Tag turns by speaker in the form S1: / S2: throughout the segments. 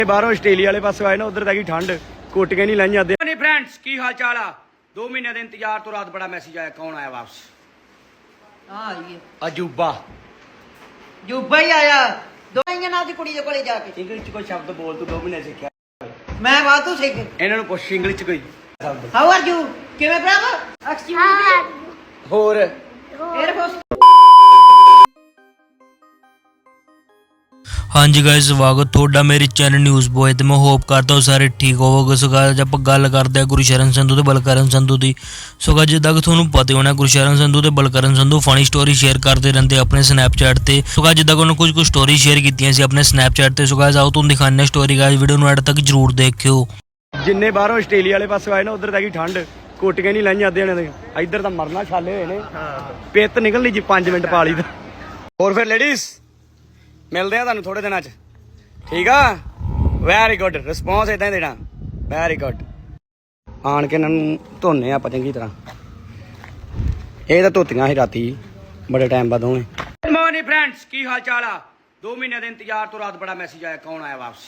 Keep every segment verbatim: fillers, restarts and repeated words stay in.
S1: बाहरों Australia वाले पासों आए ना उधर तक ठंड कोटियां नहीं लाइया नहीं फ्रेंड्स की हाल चाल आ दो महीने के इंतजार तो रात बड़ा मैसेज आया कौन आया वापस अजूबा
S2: जूबा ही आया दो ना दी कुड़ी दे कोले जाके
S1: इंग्लिश च कोई शब्द बोल तू दो महीने सीखा
S2: मैं वातू सीख
S1: इन्हां नूं पुछ इंग्लिश च कोई शब्द
S2: हाउ आर यू किवें भरावा एक्सक्यूज मी
S1: होर
S2: एयरफोर्स
S3: हाँ जी गाइस स्वागत थोड़ा मेरे चैनल न्यूज़ बॉय तो मैं होप करता हूँ सारे ठीक होवोगे। सो गाइस आप गल करते हैं गुरशरण संधू तो बलकरण संधू की। सो गाइस जिदा कि थोड़ा पता होना गुरशरण संधू तो Balkaran Sandhu funny story share करते रहते अपने स्नैपचैट से। सो गाइस जिदा कि उन्होंने कुछ कुछ स्टोरी शेयर की अपने स्नैपचैट से। सो गाइस आओ तुम दिखाने स्टोरी गाइस वीडियो नूं एंड तक जरूर देखियो।
S1: जिन्ने बाहरों आस्ट्रेलिया वाले पासों आए ना उधर तक ठंड कोटियां नहीं लाइया अद्धे ने इधर तो मरना छाले हुए ने पित निकलनी जी पांच मिनट पा ली तो और फिर लेडीज मिलते हैं तुहानूं थोड़े दिनों च ठीक है वैरी गुड रिस्पॉन्स इदा ही देना वैरी गुड आन के इन्होंने धोने आप चंगी तरह ये तो धोतियां ही राती बड़े टाइम बाद होने गुड मॉर्निंग फ्रेंड्स की हाल चाल आ दो महीने के इंतजार तो रात बड़ा मैसेज आया कौन आया वापस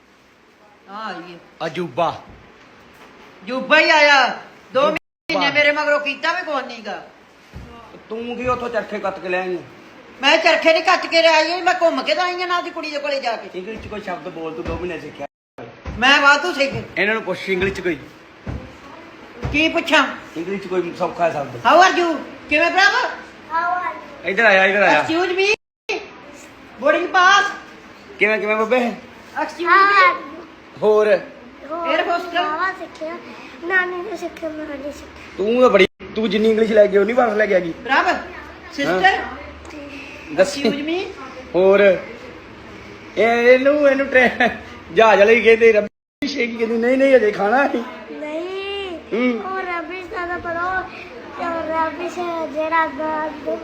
S1: अजूबा
S2: जूबा ही आया दो महीने मेरे मगरों कीता मैं कोई नहीं गा
S1: तू की उथों चरखे कत के ले आई
S2: मैं चरखे नहीं कट के आई मैं घूम के आई ना दी कुड़ी दे कोले जाके
S1: इंग्लिश च कोई शब्द बोल तू दो महीने सीखा
S2: मैं वातू सीख
S1: इन्हां नूं पुछ इंग्लिश च कोई
S2: की पूछा
S1: इंग्लिश च कोई सौखा शब्द
S2: हाउ आर यू किवें भरावा
S4: हाउ आर
S1: इधर आया इधर आया
S2: एक्सक्यूज मी बोर्डिंग पास
S1: किवें किवें बब्बे
S2: एक्सक्यूज मी
S1: होर
S2: एयरफोर्स का
S4: बाबा सीखिया नानी ने सीखिया मैं नहीं सीखिया
S1: तू तो बड़ी तू जिन्नी इंग्लिश लै गई उन्नी वापस लै के आ गई
S2: बराबर सिस्टर
S1: दसी
S2: एक्सक्यूज मी
S1: होर ਇਹਨੂੰ ਇਹਨੂੰ ਜਹਾਜ਼ ਵਾਲੇ ਕਹਿੰਦੇ ਰੱਬੀ ਸ਼ੇਕੀ ਕਹਿੰਦੀ ਨਹੀਂ ਨਹੀਂ ਅਜੇ ਖਾਣਾ ਹੈ
S4: नहीं
S1: ਹੂੰ
S4: और रबी ज्यादा पता हो रबी से जेड़ा बात दो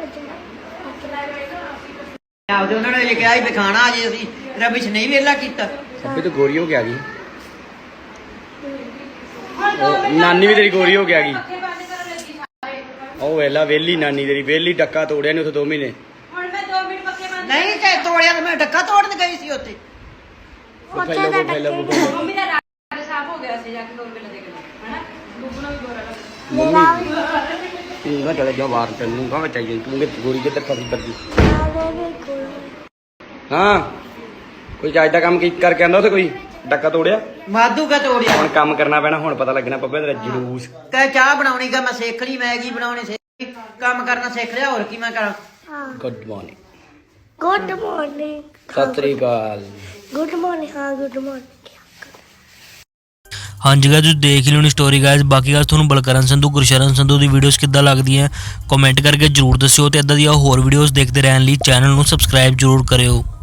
S2: ਆਪਦੇ ਉਹਨਾਂ ਨੇ ਲਿਖਿਆ ਸੀ ਵੀ ਖਾਣਾ ਅਜੇ ਅਸੀਂ ਰਬਿਸ਼ ਨਹੀਂ ਵੇਲਾ ਕੀਤਾ
S1: ਸਭੇ ਤਾਂ ਗੋਰੀ ਹੋ ਕੇ ਆ ਗਈ ਨਾਨੀ ਵੀ ਤੇਰੀ ਗੋਰੀ ਹੋ ਕੇ ਆ ਗਈ ਉਹ ਵੇਲਾ ਵੇਲੀ ਨਾਨੀ ਤੇਰੀ ਵੇਲੀ ਡੱਕਾ ਤੋੜਿਆ ਨੇ ਉੱਥੇ ਦੋ ਮਹੀਨੇ
S2: ਨਹੀਂ ਤੇ ਤੋੜਿਆ ਤੇ ਮੈਂ ਡੱਕਾ ਤੋੜਨ ਗਈ ਸੀ ਉੱਥੇ
S4: ਉੱਥੇ ਦਾ
S1: ਫੈਲਾ
S4: ਟੱਕੇ
S1: ਮੰਮੀ ਤੂੰ ਨਾ ਚਲੇ ਜਾ ਬਾਹਰ ਤੈਨੂੰ ਕਹਾਂ ਚਾਹੀਏ ਤੂੰ ਕਿ ਗੋਰੀ ਕਿੱਧਰ ਫਸੀ ਫਿਰਦੀ ਹਾਂ ਕੋਈ ਚਾਹ ਦਾ ਕੰਮ ਕੀ ਕਰਕੇ ਆਂਦਾ ਉੱਥੇ ਕੋਈ ਡੱਕਾ ਤੋੜਿਆ
S2: ਮਾਧੂ ਕਾ ਤੋੜਿਆ
S1: ਹੁਣ ਕੰਮ ਕਰਨਾ ਪੈਣਾ ਹੁਣ ਪਤਾ ਲੱਗਣਾ ਪੱਪੇ ਤੇਰਾ ਜਲੂਸ
S2: ਕਹ ਚਾਹ ਬਣਾਉਣੀ ਗਾ ਮੈਂ ਸਿੱਖ ਲਈ ਮੈਗੀ ਬਣਾਉਣੀ ਸਿੱਖ ਲਈ ਕੰਮ ਕਰਨਾ ਸਿੱਖ ਲਿਆ ਹੋਰ ਕੀ ਮੈਂ ਕਰਾਂ
S1: ਗੁੱਡ ਮਾਰਨਿੰਗ
S4: गुड मॉर्निंग
S1: ਸਤਿ ਸ੍ਰੀ ਅਕਾਲ
S4: गुड मॉर्निंग हाँ गुड मॉर्निंग
S3: हाँ जी गाइस तुसीं देख ही लियोनी स्टोरी गाइस। बाकी गाइस तुहानूं बलकरण संधू गुरशरण संधू दी वीडियोस किद्दां लगदियां कमेंट करके जरूर दस्सिओ ते इदां दी होर वीडियोस देखदे रहण लई चैनल नूं सबसक्राइब जरूर करिओ।